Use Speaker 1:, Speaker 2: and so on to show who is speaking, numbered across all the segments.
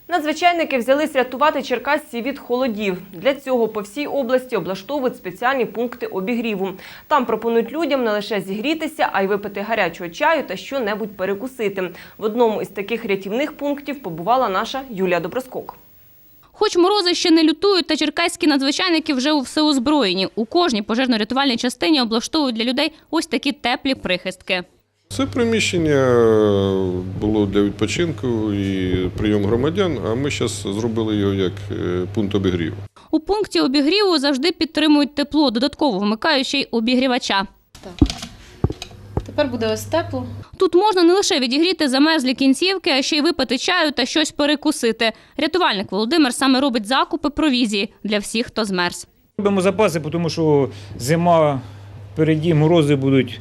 Speaker 1: Надзвичайники взялись рятувати черкасців від холодів. Для цього по всій області облаштовують спеціальні пункти обігріву. Там пропонують людям не лише зігрітися, а й випити гарячого чаю та що-небудь перекусити. В одному із таких рятівних пунктів побувала наша Юлія Доброскок.
Speaker 2: Хоч морози ще не лютують, та черкаські надзвичайники вже всеозброєні. У кожній пожежно-рятувальній частині облаштовують для людей ось такі теплі прихистки.
Speaker 3: Це приміщення було для відпочинку і прийому громадян, а ми зараз зробили його як пункт обігріву.
Speaker 2: У пункті обігріву завжди підтримують тепло, додатково вмикаючи й обігрівача.
Speaker 4: Так. Тепер буде ось тепло.
Speaker 2: Тут можна не лише відігріти замерзлі кінцівки, а ще й випити чаю та щось перекусити. Рятувальник Володимир саме робить закупи провізії для всіх, хто змерз.
Speaker 5: Робимо запаси, тому що зима впереді, морози будуть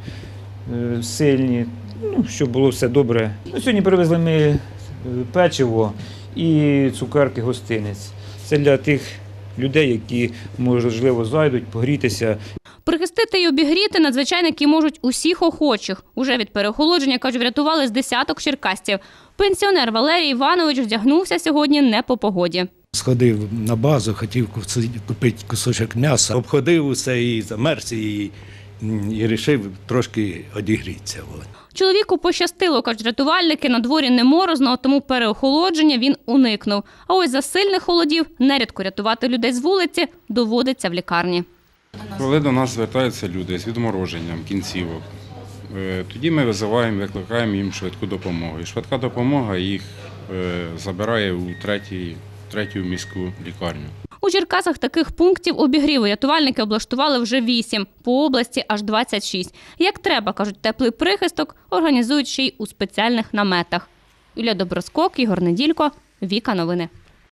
Speaker 5: сильні, щоб було все добре. Сьогодні привезли ми печиво і цукерки, гостинець. Це для тих людей, які, можливо, зайдуть погрітися.
Speaker 2: Прихистити й обігріти надзвичайники можуть усіх охочих. Уже від переохолодження, кажуть, врятували з десяток черкасців. Пенсіонер Валерій Іванович вдягнувся сьогодні не по погоді.
Speaker 6: Сходив на базу, хотів купити кусочок м'яса, обходив усе і замерз, і вирішив трошки одігрітися.
Speaker 2: Чоловіку пощастило, кажуть рятувальники, на дворі не морозно, тому переохолодження він уникнув. А ось за сильних холодів нерідко рятувати людей з вулиці доводиться в лікарні.
Speaker 7: Коли до нас звертаються люди з відмороженням кінцівок, тоді ми викликаємо їм швидку допомогу. І швидка допомога їх забирає у третю міську лікарню.
Speaker 2: У Черкасах таких пунктів обігріву рятувальники облаштували вже 8, по області аж 26. Як треба, кажуть, теплий прихисток організують ще й у спеціальних наметах. Юлія Доброскок, Ігор Неділько, Віка Новини.